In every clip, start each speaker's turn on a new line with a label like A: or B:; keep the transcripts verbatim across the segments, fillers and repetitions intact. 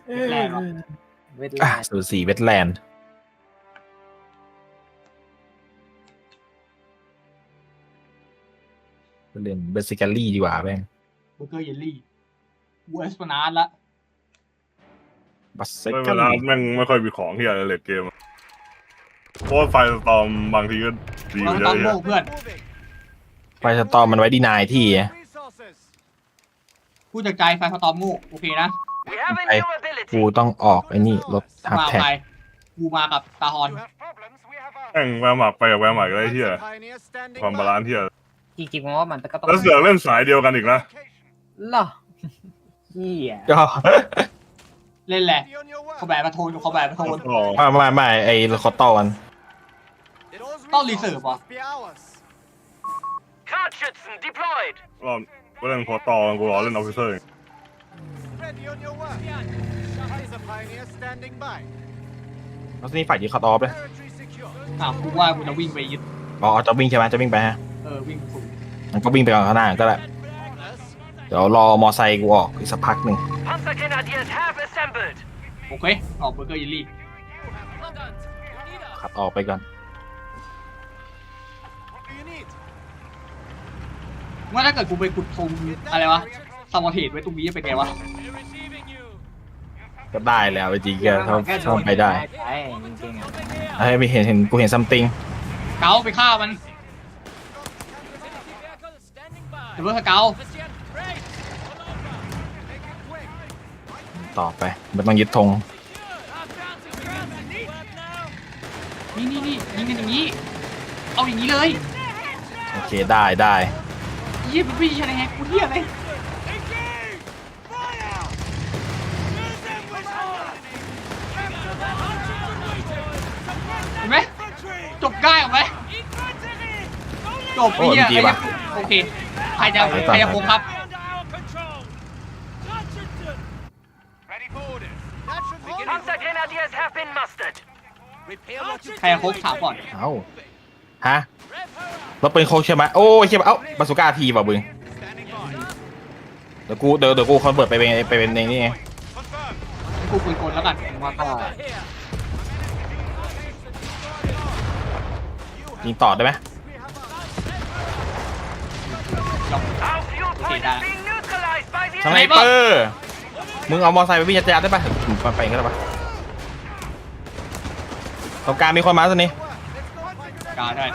A: แลนด์เวทแล
B: อ่ะ
A: นด์
B: สูสีเวทแลนด์เล่นเบสิกาลี่ดีกว่าแม่ง
C: เบอร์เกอร์เยลลี่กูเอสปนาร์ดละ
B: บัสเซ
D: ไม่
B: กา
D: เวลา
B: ลี่
D: แม่งไม่ค่อยมีของที่อะไรเลดเกมเพราะว่าไฟสตอมบางทีก็ดีอ
C: เรา
D: ยู่เย
C: ต้อ
D: อะ
C: ง
D: แยะ
C: โง่เพื่อน
B: ไฟสตอมมันไว้ดีนายที่
C: พูดจากใจไฟสตอมโง่โอเคนะ
B: ไอ้กูต้องออกไอ้นี่รถทับ
C: มา
B: แท็ก
C: ไปกูมากับตาฮอน
D: แม่งแววหมากไปกับแววหมากอะไรเที่ยความบาลานซ์เที่ย
A: จริงๆว่ามันก็ต้อง
D: แล้วเสือกเล่นสายเดียวกันอีกนะ
A: เหรอเฮีย
B: ก็
C: เล่นแหละเขาแบบมาโทนเขาแบบมาโทน
D: อ๋อ
B: ไม่ไม่ไม่ไอ้คอตตอน
C: ต้องรีเสิร์ฟเหรอ
E: Kartschützen deployed.
D: รอบกูเล่นโคตอกูรอเล่นออฟฟิเซอร์
B: แล้วนี่ฝ่ายยิงคอตออฟเลย
C: อ่ะกูว่ากูจะวิ่งไปยึด
B: อ๋อจะวิ่งใช่ไหมจะวิ่งไปฮะ
C: เออวิ่งสูง
B: มันก็วิ่งไปก่อนข้างหน้าก็ได้เดี๋ยวรอมอไซค์กูออกอีกสักพักหนึ่ง
E: Panzergrenadiers have assembled.
C: โอเคออกเบอร์เกอร์เยลลี่
B: ขับออกไปก่อน
C: ว่าถ้าเกิดกูไปขุดทงอะไรวะสมอเทสไว้ตรงนี้จะเป็นไงวะ
B: ก็ได้แล้วจริงๆก็ถ้าถ้าไปได้
A: ใช่จริงๆอ่ะ
B: ให้ไม่เห็นเห็นกูเห็นซัมติง
C: เกาไปฆ่ามันเดี๋ยวเพื่อสเกา
B: ต่อไปมันต้องยึดธง
C: นี่นี่นี่ยิงกันอย่างนี้ เอาอย่างนี้เลย
B: โอเคได้ได้
C: เยี่ยมพี่ชนะแฮกกูเยี่ยเลยเห็นไหมจบง่ายออกไหมจบพี่อ่ะโอเคใครจะใครจะโค้งครับ
E: Panzergrenadiers have been mustered.
C: ใครจะโค้งถามก่อน
B: เอ้าฮะรถเป็นโคกใช่ไหมโอ้ยใช่ไหมเอ้าบาสุก้าทีป่ะบึงเดี๋ยวกูเดี๋ยวเดี๋ยวกูคอนเวิร์ตไปเป็นไปเป็นในนี่ไง
C: กูปืนกลแล้วกัน
A: ผมว่าก็
B: ยิงต่อได้ไหม
E: Our fuel point is being neutralized by the
B: สไน
E: enemy.
B: เปอร์มึงเอามอไซค์ไปวิ่งยัดๆได้ป่ะมาไปก็ได้ป่ะตรงกลางมีคนมาสินี่
C: กาได้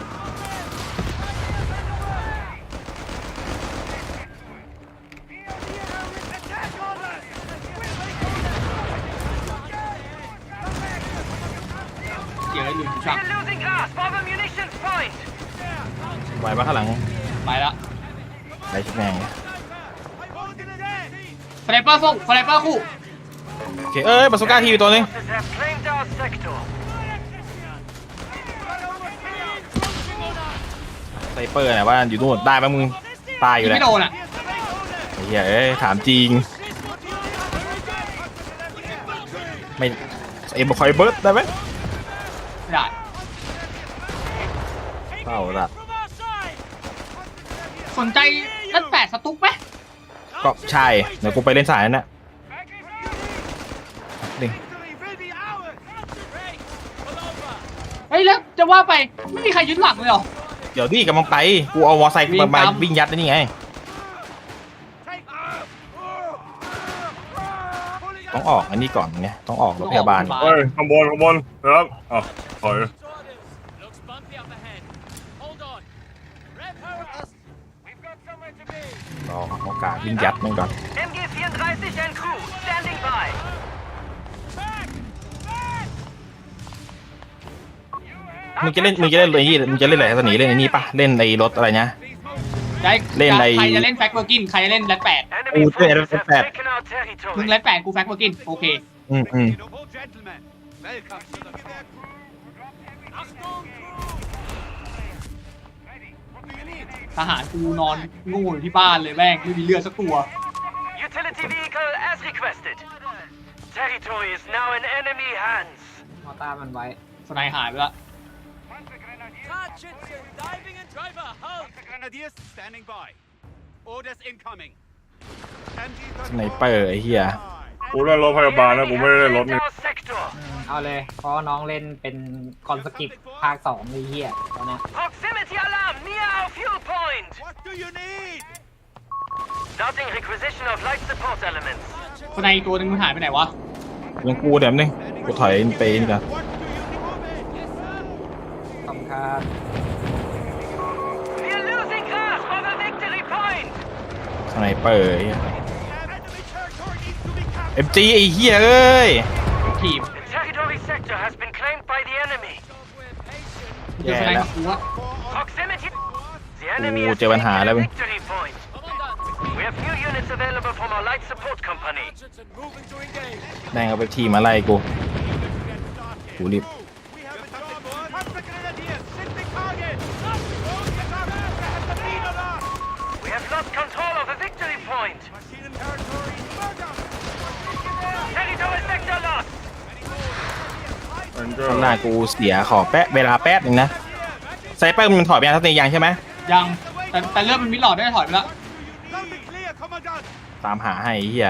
C: เดี๋ยวให้ลืมช่าง
E: We're losing grasp of a munitions point.
B: ไหวป่ะข้างหลัง
C: ไปละ
B: ได้ชุดแมง
C: สไนเปอร์ส่งสไนเปอร์คู่
B: โอเคเอ้ยบาสุก้าทีอยู่ตัวนึง
E: Forces have claimed our sector.
B: สไนเปอร์เนี่ยว่าอยู่นู่นได้ป่ะมึงตายอ
C: ยิ
B: ยู่
C: ง
B: แล้ว
C: ไม่โดนอ่ะ
B: ไอ้เหี้ยเอ้ยถามจริงไม่เอ็มคอยเบิร์ดได้ไหม
C: ไม่ได้
B: เปล่าละ
C: สนใจนัดแปดสตุ๊กไหม
B: ก็ใช่เดี๋ยวกูไปเล่นสายนั่นน่ะนี่
C: เฮ้ยแล้วจะว่าไปไม่มีใครยึดหลักเลยเหรอ
B: เดี๋ยวดิกำลังไปกูเอามอไซค์
C: วิ่ง
B: มา
C: ตาม
B: วิ่งยัดนี่ไงต้องออกอันนี้ก่อนไงต้องออกรถพยาบาล
D: เฮ้ยข้างบนข้างบนนะครับอ๋อถอย
B: รอโอกาสวิ่งยัดมันก่อน
E: M G vierunddreißig and crew standing by.
B: มึงจะเล่นมึงจะเล่นไอ้นี่มึงจะเล่นอะไรสนีเล่นไอ้นี่ปะเล่นในรถอะไรนะ
C: ได้
B: เล่นใน
C: ใครจะเล่นแฟกเบอร์กินใครจะเล่นแรดแปด
E: Enemy
B: Oh,
E: forces
B: yeah,
E: have
B: that's
E: taken our
C: มึง
E: territory.
C: แรดแปดกูแฟกเบอร์กินโอเค
B: อืมอืม
C: ทหารกูนอนโง่อยู่ที่บ้านเลยแม่งไม่มีเลือดสักตัว
E: Utility vehicle as requested. Territory is now in enemy hands.
A: มอต้ามันไว้
C: สไนหายไปละ
F: Grenadiers standing by. Orders incoming.
B: สไนเปอร์ไอ้เหี้ย
D: กูเล่นรถพยาบาลนะกูไม่ได้เล่นรถนี่
E: Our sector.
A: อืมเอาเลย เพราะน้องเล่นเป็นคอนสกิปภาคสองไอ้เหี้ยตอนนี้
E: Proximity alarm near our fuel point.
F: What do you need?
E: Starting requisition of life support elements.
C: คนในอีกตัวหนึงมันหายไปไหนวะ
B: ยังกูเดี๋ยวนึงกูถอยไปนี่กัน
F: What do you need?
A: ขอบคุณครับ
E: We're losing grasp of a victory point.
B: สไนเปอร์ไอ้เหี้ย
F: Enemy territory needs to be captured.
B: เอ็มจีไอ้เหี้ยเอ้ย
C: ทีม
E: The territory sector has been claimed by the enemy.
C: เจอคนในกูวะ
E: Proximity. The enemy
B: Ooh,
E: has
B: chơi bắn hà
E: taken
B: đấy
E: a
B: mình.
E: victory point. We have few units available from our light support company.
B: แม่งเอาไปทีมาไล่กูกูรีบ
F: We have a job, boys. Perfect grenadiers. Shifting target. Get our master has the lead on us.
E: We have lost control of a victory point.
F: Machine and territory. Murder.
E: Territory sector lost.
D: มันก็
B: ข้างหน้ากูเสียขอแป๊ะเวลาแป๊บนึงนะไซเปอร์มันถอยไปยังทัศนียังใช่ไหม
C: ยังแต่แต่เลือดมันมิดหลอดได้ถอยไปแล้ว
F: Loud and clear, Commandant.
B: ตามหาให้ไอ้เหี้ย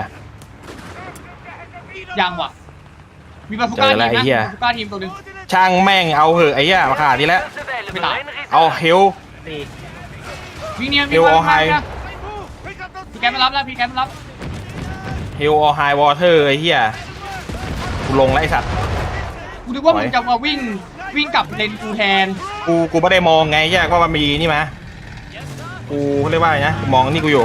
C: ยังว่ะ มีบาซูก้า
B: เจ
C: ที
B: อ
C: ม
B: แล้ว
C: นะ
B: ไอ้เหี้ย
C: บาซูก้าทีมตัวหนึง
B: ช่างแม่งเอาเหอะไอ้เหี้ยมาขาดนี่แล้ว
E: Units available
C: Mày
E: in reserve.
B: เอาเฮล
A: สี่
C: วิ่งเนียน
B: เอ
C: วิ่ง
B: ว
C: มา
B: เอาไฮ
C: วิ่งมา
F: Move. Pick up those
C: พี่แกมารับแล้วพี่แกมารับ
B: เฮลออไฮวอเตอร์ไอ้เหี้ยกูลงแล้วไอ้สัตว์
C: กูนึกว่า
B: ไหว
C: มึงจะมาวิ่งวิ่งกลับเลนกูแทน
B: กูกูไม่ได้มองไงแยกว่ามันมีนี่มากูเขาเรียกว่าอะไรนะกูมองนี่กูอยู่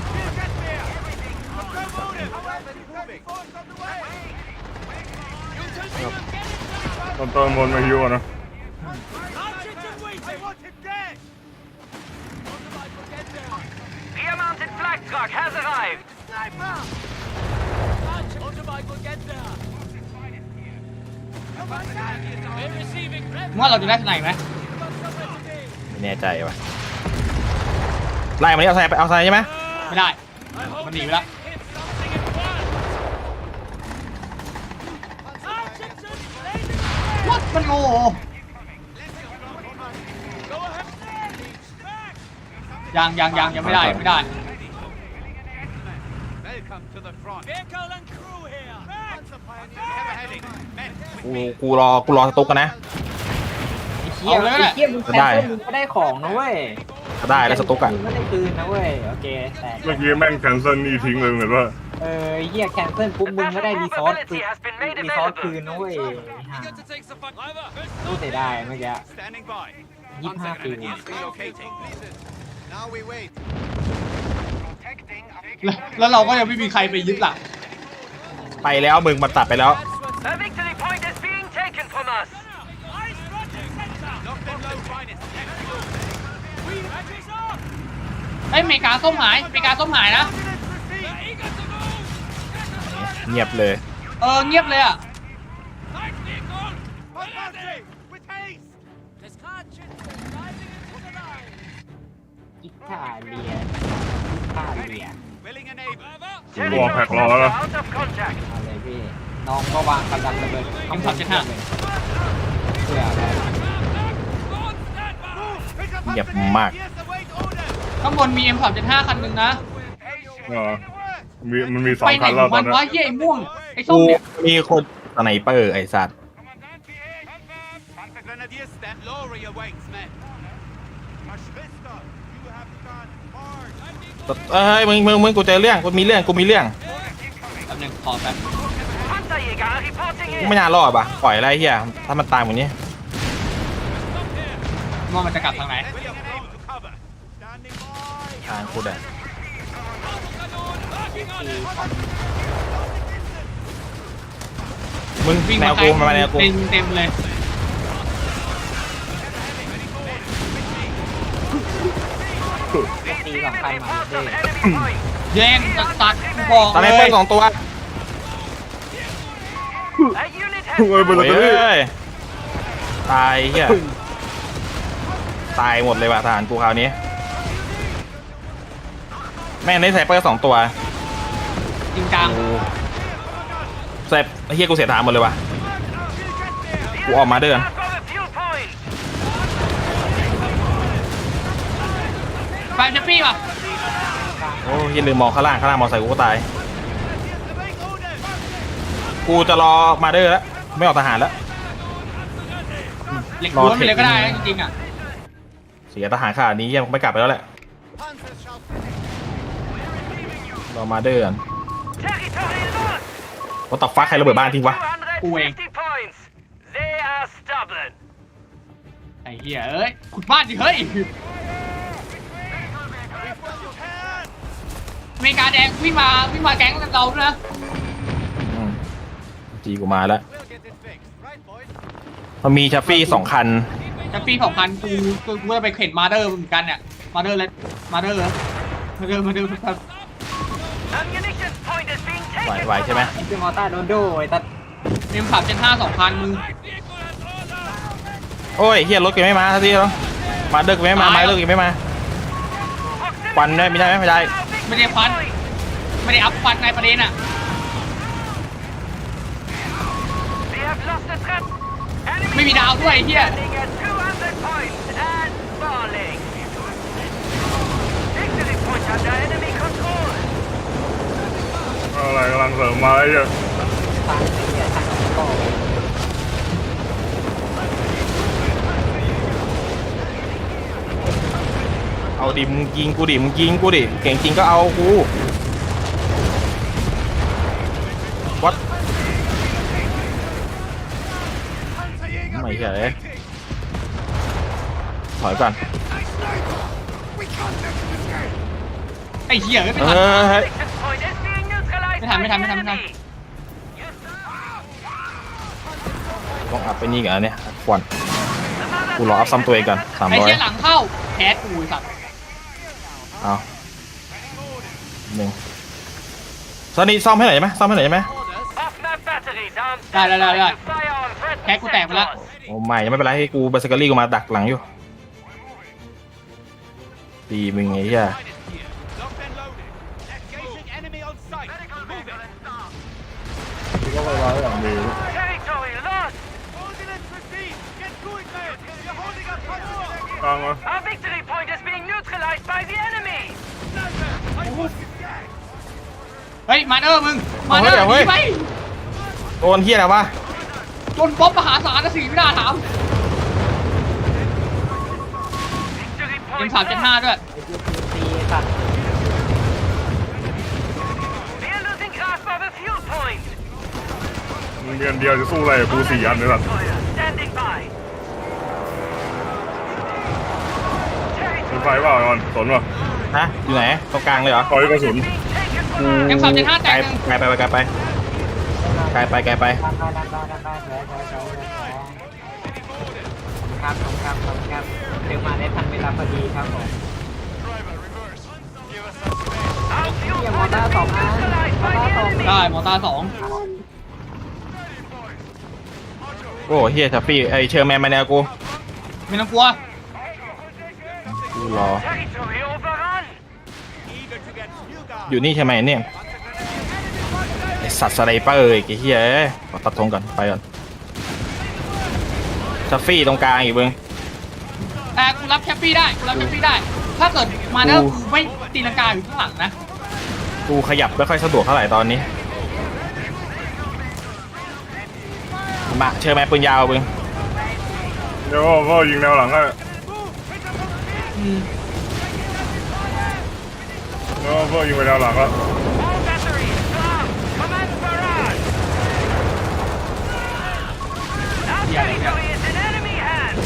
D: ตอนต้นบนมาฮิวอะนะ
F: I want him dead.
E: Rear mounted flag truck has arrived.
F: Sniper.
C: มึงว่าเราจะได้ทนายไหม
B: ไม่แน่ใจว่ะไล่มันนี่เอาไซไปเอาไซใช่ไหม
C: ไม่ได้ มันหนีไปแล้ววัดมันโง่ยังยังยังยังไม่ได้ยังไม่ได้
F: Welcome to the front. Vehicle and crew here. Once a pioneer, we have a heading. Men,
B: กูกูรอกูรอสตุ๊กกันนะ
A: ไอ้เหี้ย
C: เอาเลยก็ได้
A: ไอ้เหี้ยมึงแคน
B: ได้
A: เซิลมึงก็ได้ของนะเว้ย
B: ก็ได้แล้วสตุ๊กอะ
A: มึงก็ได้คืนนะเว้ย โอเค แต่
D: เมื่อกี้แม่งแคนเซิลนี่ทิ้งเลยเหมือนว่า
A: เออไอ้เหี้ยแคนเซิลปุ๊บมึงก็ได้รีซอสคืนรีซอสคืนนะเว้ยห่ารู้เสียดายเมื่อกี้
F: standing by.
A: ยี่สิบห้าปี
F: Relocating. Now we wait.
C: แล้วแล้วเราก็ยังไม่มีใครไปยึดหลัก
B: ไปแล้วมึงมันตัดไปแล้ว
E: A victory point is being taken from us.
F: Lock them low, finest. Next move.
C: ไอ้ยอเมริกาส้มหายอเมริกาส้มหายนะ
B: เงียบเลย
C: เออเงียบเลยอ่ะ
F: Advancing with haste.
A: อิตาเลียอิตาเลีย
F: Willing and able.
D: วอลแพ็กรอแล้ว
E: Out of contact.
A: เอาเลยพี่ น้องก็วางกำลังระเบิด
C: เอ็มสามเจ็ดห้า
A: เพื่ออะไร
F: Pick up
B: เงียบ
F: Hudson
B: มาก
F: Yes, await orders.
C: ข้างบนมี เอ็มสามเจ็ดห้า คันหนึ่งนะ
D: อ๋อมีมันมีสอ
C: ไป
D: ง
C: ไหน
D: คัน
C: ข
D: แล้
C: อ
D: ว
C: ง
D: ต
C: มั
D: อน
C: น
D: นี้
C: วะเหี้ยไอ้ม่วง ไอ้ส้ม
B: กู
C: เนี่ย
B: มีคนสไนเปอร์ไอ้สัตว์
F: Panther Grenadiers, stand low, awaits, men. Ashvista, you have done hard.
B: เอ้ยมึงมึงมึงกูเจอเรื่องกูมีเรื่องกูมีเรื่อง
C: แป๊บนึงขอแป๊บ
E: Panzerjäger reporting
B: กู
E: in.
B: ไม่น่ารอดป่ะปล่อยอะไรเฮียถ้ามันตามอย่างนี้
C: ว่ามันจะกลับทางไหน
F: Willing and able to cover. Standing by.
B: ทางกูได้มึง
C: วิ่ง
B: แน
C: มาว ใคร
B: กูมาแนวกู
C: เต็มเต็มเลย
A: ตีสองคันมา
E: Reports
A: เด้
E: of enemy point.
C: แย่งตัดตัดกูบอก
B: สไน
C: เล
B: เปอย ร์สองตัว
E: A unit has
D: เอ้ยบนร
B: โอ้
D: ถ
B: ย
D: ตัวนี้
B: เอ้ยตายเฮียตายหมดเลยว่ะทหารกูคราวนี้ แม่งได้สไนเปอร์สองตัว
C: จริงจัง
B: กูเสร็จไอ้เฮียกูเสียทางหมดเลยว่ะ กูออกมาเดิน
E: Mark of a fuel point.
C: แฟนเชฟปี้ป่ะ
B: โอ้ยลืมมองข้างล่างข้างล่างมอไซค์กูก็ตาย
F: Await orders.
B: กูจะรอมาเดอร์แล้วไม่ออกทหารแล้ว
C: เหล็กล้วนไปเลยก็ได้นะจริงๆอ่ะ
B: เสียทหารขนาดนี้ยังไม่กลับไปแล้วแหละรอมาเดอร์กัน
E: Territory lost.
B: ว่าต่อฟ้าใครระเบิดบ้านทิ้งวะ
C: กูเอง
E: two hundred fifty points. They are stubborn.
C: ไอ้เหี้ยเอ้ยขุดบ้านดิเฮ้ยอเมริกาแดงวิ่งมาวิ่งมาแก๊งเราด้วยนะ
B: อืมจีกูมาแล้วมันมีชัฟฟี่สองคัน
C: จะปีสองพันกูกูกูจะไปเข็นมาเดอร์เหมือนกันเนี่ยมาเดอร์เลยมาเดอร์เหรอมาเดอร์มาเดอร์ครับ
E: Ammunition point is being
B: ไหว
E: taken.
B: ไหวใช่ไหม
A: คือมอต้าโดนโดไอ้ตัด
C: เอ็มสามเจ็ดห้าสองพันมึง
B: โอ้ยเฮียรถกูไม่มาทันทีแล้วมาเดอร์กูไม่มามาเดอร์กูไม่มาควันได้ไม่ได้ไหมไม่ได้
C: ไม่ได้ฟันไม่ได้อัพฟันในประเด็นอ่ะ
E: They have lost the trap.
C: ไม่มีดาวด้วยไอ้เหี้ย
E: Standing at two hundred points and falling. Victory point under enemy control.
D: อะไรกำลังเสริมมาไอ้เหี้ย
A: ทางไอ้เนี่ยทางก็
B: เอาดิมึงยิงกูดิมึงยิงกูดิเก่งจริงก็เอากูวัดไม่ใช่เลยถอยก่อน
C: ไอ้เหี้ยไม่
B: เอ
C: ทัน
B: อเฮ้ย
E: Victor point is being neutralized
C: ไม่ทัน
E: by
C: ไม่ทัน
E: the
C: ไม่ทันไม่ทัน
E: enemy.
B: ต้องอัพไปนี่กันเนี่ยควันกูรออัพซ้ำตัวเองก่อนสาม
C: ไอ้
B: ร้อย
C: เหี้ยหลังเข้าแคสกูไอ้สัตว์
B: เอาหนึ่งตอนนี้ซ่อมให้หน่อยได้ไหมซ่อมให้หน่อยได้ไหม
E: Off-map batteries are on
C: ได้ได้ได้ได้
E: standby to fire on threat
C: แคสกูแตกไปแล้ว
E: sectors.
B: โอ้ไม่ยังไม่เป็นไรให้กูเบสเกอรี่กูมาดักหลังอยู่ดีมึงไงเหี้ย
F: Locked and loaded. Engaging enemy on sight. Move it.
A: คือก็ไว้ๆแบบนี้
E: Territory lost.
F: Ordnance received. Get going, men. You're holding up control.
D: กลางมา
E: Our victory point is being neutralized by the enemy.
C: เฮ้ยมาเดอร์มึงมาเดอร์หนีไป
B: โดนเหี้ยอะไรวะ
C: จนป๊อปมหาศาลนะสิไม่น่าถาม
E: Victory
C: เอ็ม
E: point
C: สามเจ็ดห้า
E: lost.
C: ด้วย
A: ไอ้เหี้ยตีสัตว์
E: We are losing grasp of a fuel point.
D: มึงเดือนเดียวจะสู้อะไรกับกูสี่อันเลยสัตว์
E: Fire standing by.
D: เป็นไฟเปล่าไอ้บอลสนป่ะ
B: ฮะอยู่ไหนตรงกลางเลยเหรอ
D: คอยกระสุน
E: Being taken
B: กู
E: from
C: เอ็มสามเจ็ดห้าแต
B: ไกล
C: กหนึ่ง
B: ไกลไปไกลไปไกลไปไกลไป
A: ด้านด้านด้านด้านด้านด้านแผลแผลแผลแผลครับครับครับครับเดี๋ยวมาได้ทันเวลาพอดีครับผม
E: our fuel
A: เหี้ยมอ
E: point
A: ต้า
E: is
A: สอง
E: being
A: นะมอ
E: neutralized
A: ต้า
E: by the
A: สอง
E: enemy.
C: ได้มอต้าสอง
B: โอ้เฮียทัฟฟี่ไอเชอร์แมนมาแนวกู
C: ไม่ต้องกลัว
B: กูรอ
E: Territory overrun.
F: Eager to get new guard.
B: อยู่นี่ใช่ไหมเนี่ยไอสัตว์สไนเปอร์อีกไอ้เฮียเอ้ยขอตัดธงก่อนไปก่อนทัฟฟี่ตรงกลางอีกเบิ้ง
C: แต่กูรับแชปปี้ได้กูรับแชปปี้ได้ ถ้าเกิดมาเดอร์
B: กู
C: กูไม่ตีลังกาอยู่ข้างหลังนะ
B: กูขยับไม่ค่อยสะดวกเท่าไหร่ตอนนี้มาเชอร์แมนปืนยาวเบิ้ง
D: เดี๋ยวพ่อยิงแนวหลังให้
C: อืม
D: เดี๋ยวพ่อยิงไปแนวหลังแล้ว
E: All batteries down. Command barrage. Our territory is in enemy hands.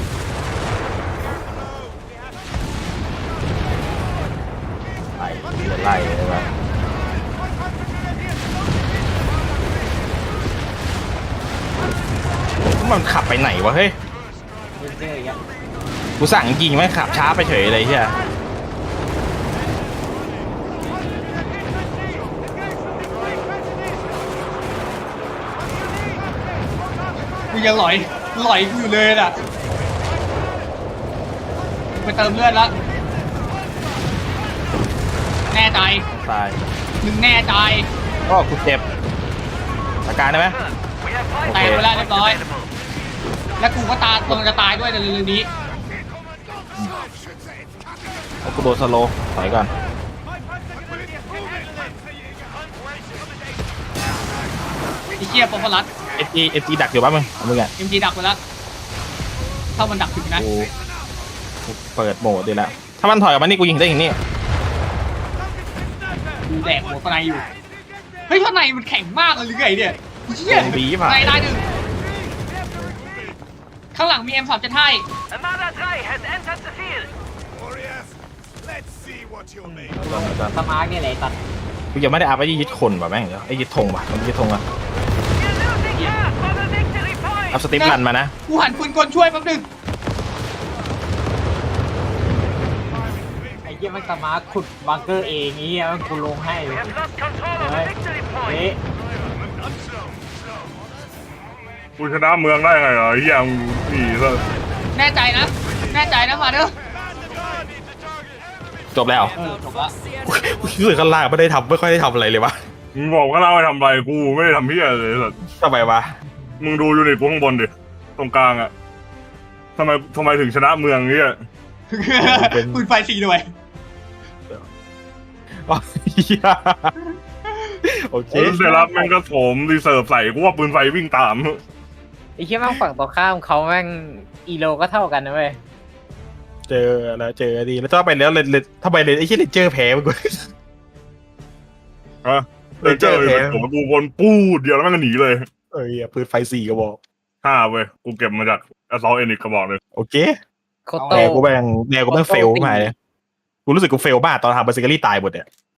B: ไล่ไล่เลยวะมันขับไปไหนวะเฮ้ย
A: เจออย่าง
B: กูสั่งยิงไม่ขับช้าไปเฉยเลยเฮีย
C: กูยังหลอยหลอยกูอยู่เลยน่ะไปเติมเลือดแล้วแน่ใจ
B: ตาย
C: มึงแน่ใจ
B: ก็กูเจ็บอาการได้ไหม
E: We have
C: แตก
E: five
C: ไปแล้วเรียบร้อย
E: available.
C: และกูก็ตาตรงจะตายด้วยในเรื่องนี้
B: แล้วกูโดนสโลว์ถอยก่อน
F: My Panzer Grenadiers can handle it.
C: อ้เหี้ยปอมพลัส
B: เอจีเอจีดักอยู่ป่ะมึงเอามึงอ่ะ
C: เอ็มจีดักไปแล้วถ้ามันดักถึงนะ
B: กูกูเปิดโหมดดีแล้วถ้ามันถอยออกมานี่กูยิงได้อย่างนี้
C: กูแดกหัวสไนอยู่เฮ้ยข้างในมันแข็งมากเลยหรือไงเนี่ยเหี้ย
B: ลงบีป่ะ
C: ในได้หนึ่งข้างหลังมี เอ็ม สาม เจ็ด ห้า
E: Armada three has entered the field.
F: Warriors, let's see what you made.
A: สมาร์กเนี่ยแหละตัด
B: กูยังไม่ได้อัพไอ้ยึดคนป่ะแม่งเดี๋ยวไอ้ยึดธงป่ะมันยึดธงอ่ะ
E: You're losing ground for the victory point.
B: อัพสติปรันมานะ
C: กูหันปืนกลช่วยแป๊บนึง
A: ไอ้เหี้ยมันสมาร์กขุดบังเกอร์เองไอ้เหี้ยมันกูลงให้
E: We have lost control of the victory
A: เฮ้ย
E: point.
D: กูชนะเมืองได้ไงเหรอไอ้เหี้ยมึงนี่ซะ
C: แน่ใจนะ แน่ใจนะมาเด้อ
B: จบแล้ว
C: เออจบละ
B: กูกูรู้สึกข้างล่างไม่ได้ทำไม่ค่อยได้ทำอะไรเลยวะ
D: มึงบอกว่าเราไปทำอะไรกูไม่ได้ทำเหี้ยเลยสัส
B: ทำไมวะ
D: มึงดูยูนิตกูข้างบนดิตรงกลางอะทำไมทำไมถึงชนะเมืองเนี้ย
C: ปืนไฟสี่หน่วย
B: อ๋อเหี้ยโอเค
D: เซรับแม่งก็โถมรีเซิร์ฟใส่กูว่าปืนไฟวิ่งตาม
A: ไอ้เหี้ยแม่งฝั่งตรงข้ามเขาแม่งอีโลก็เท่ากันนะเว้ย
B: เจอแล้วเจอดีแล้วถ้าไปแล้วเลนเลนถ้าไปเลนไอ้เชี่ยเลนเจอร์แพ้มึงกู
D: ฮะเดินเจอเลยผมกูวนปูดเดียวแล้วแม่งก็หนีเลย
B: เอ้ยปืนไฟสี่กระบอก
D: ห้าเว้ยกูเก็บมาจากอซอลเอนิกกระบอกเลย
B: โอเค
A: โคโต
B: แนวกูแม่งแนวกูแม่งเฟลมาเลยกูรู้สึกกูเฟลมากตอนทำเบอร์ซิเกอรี่ตายหมดเนี่ย